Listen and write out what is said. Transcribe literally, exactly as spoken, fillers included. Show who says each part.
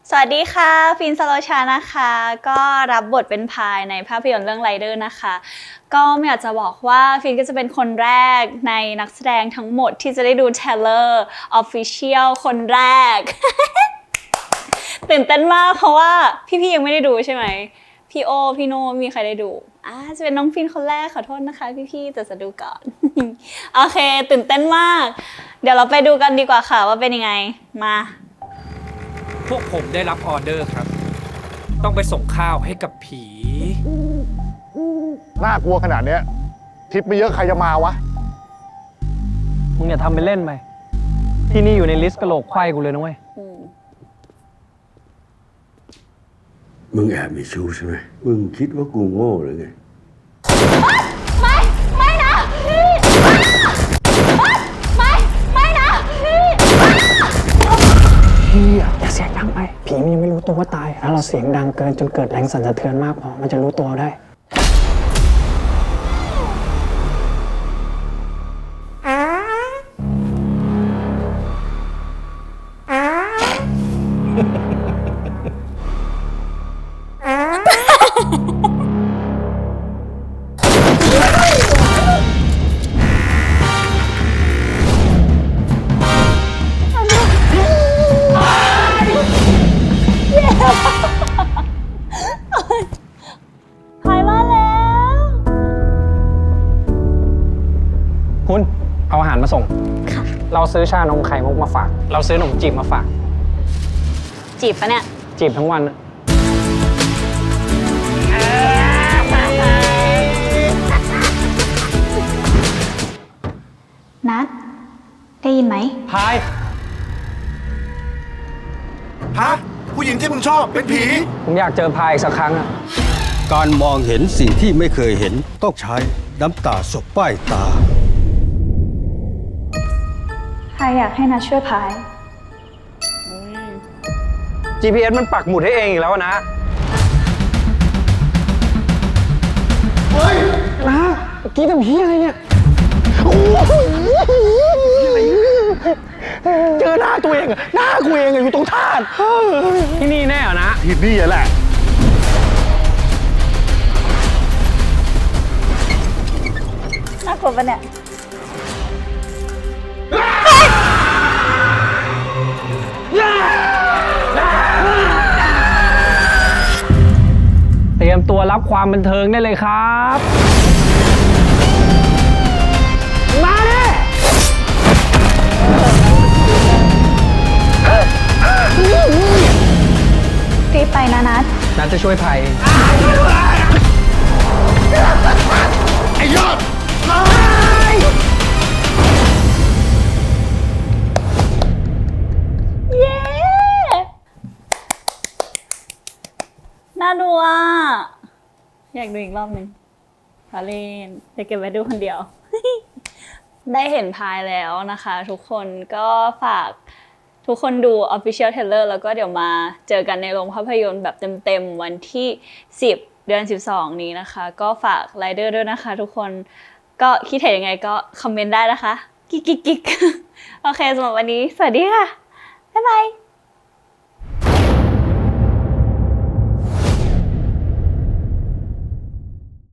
Speaker 1: สวัสดีค่ะฟินสโลชานะคะก็รับบทเป็นพายในภาพยนตร์เรื่องไรเดอร์นะคะก็ไม่อยากจะบอกว่าฟินก็จะเป็นคนแรกในนักแสดงทั้งหมดที่จะได้ดูเทเลอร์ออฟฟิเชียลคนแรก ตื่นเต้นมากเพราะว่าพี่ๆยังไม่ได้ดูใช่ไหมพี่โอพี่โนมีใครได้ดูอ่าจะเป็นน้องฟินคนแรกขอโทษนะคะพี่ๆแต่จะดูก่อน โอเคตื่นเต้นมากเดี๋ยวเราไปดูกันดีกว่าค่ะว่าเป็นยังไงมา
Speaker 2: พวกผมได้รับออเดอร์ครับต้องไปส่งข้าวให้กับผี
Speaker 3: น่ากลัวขนาดเนี้ยทิปไม่เยอะใครจะมาวะ
Speaker 4: มึงอย่าทำเป็นเล่นไปที่นี่อยู่ในลิสต์กะโหลกไขว้กูเลยนะเว้ย
Speaker 5: มึงแอบมีชู้ใช่ไหมมึงคิดว่ากูโง่หรือไง
Speaker 1: ไม่ไม่นะพี่ไม่ไม่นะพี่
Speaker 4: พี่อย่าเสียงดังไปผีมันยังไม่รู้ตัวว่าตายถ้าเราเสียงดังเกินจนเกิดแรงสั่นสะเทือนมากพอมันจะรู้ตัวได้คุณเอาอาหารมาส่งเราซื้อชานมไข่มุกมาฝากเราซื้อขนมจีบมาฝาก
Speaker 1: จีบปะเนี่ย
Speaker 4: จีบทั้งวันนะ
Speaker 1: นัดได้ยินไหม
Speaker 4: พาย
Speaker 3: ฮะผู้หญิงที่มึงชอบเป็นผี
Speaker 4: ผมอยากเจอพายอีกสักครั้งอะ
Speaker 5: การมองเห็นสิ่งที่ไม่เคยเห็นต้องใช้น้ำตาสบป้ายตา
Speaker 1: พายอยากให้นัดช่วยพาย
Speaker 4: จี พี เอส มันปักหมุดให้เองอีกแล้วนะเฮ้ยนะเมื่อกี้ทำเฮียอะไรเนี่ยเจอหน้าตัวเองอะหน้ากูเองอะอยู่ตรงธาตุที่นี่แน่เหรอนะ
Speaker 3: ที่นี่แหละ
Speaker 1: น่ากลัวปะเนี่ย
Speaker 4: เตรียมตัวรับความบันเทิงได้เลยครับมาดิ
Speaker 1: รีบไปนะนัด
Speaker 4: นัดจะช่วยภัย
Speaker 3: ไอ้ยอด
Speaker 1: เย้น่าดูอ่ะอยากดูอีกรอบหนึ่งพาเล่นจะเก็บไว้ดูคนเดียว ได้เห็นพายแล้วนะคะทุกคนก็ฝากทุกคนดู Official Trailer แล้วก็เดี๋ยวมาเจอกันในโรงภาพยนตร์แบบเต็มๆวันที่สิบเดือนสิบสองนี้นะคะก็ฝากไรเดอร์ด้วยนะคะทุกคนก็คิดเห็นยังไงก็คอมเมนต์ได้นะคะกิ๊กกิ๊กกิ๊กโอเคสำหรับวันนี้สวัสดีค่ะบ๊ายบาย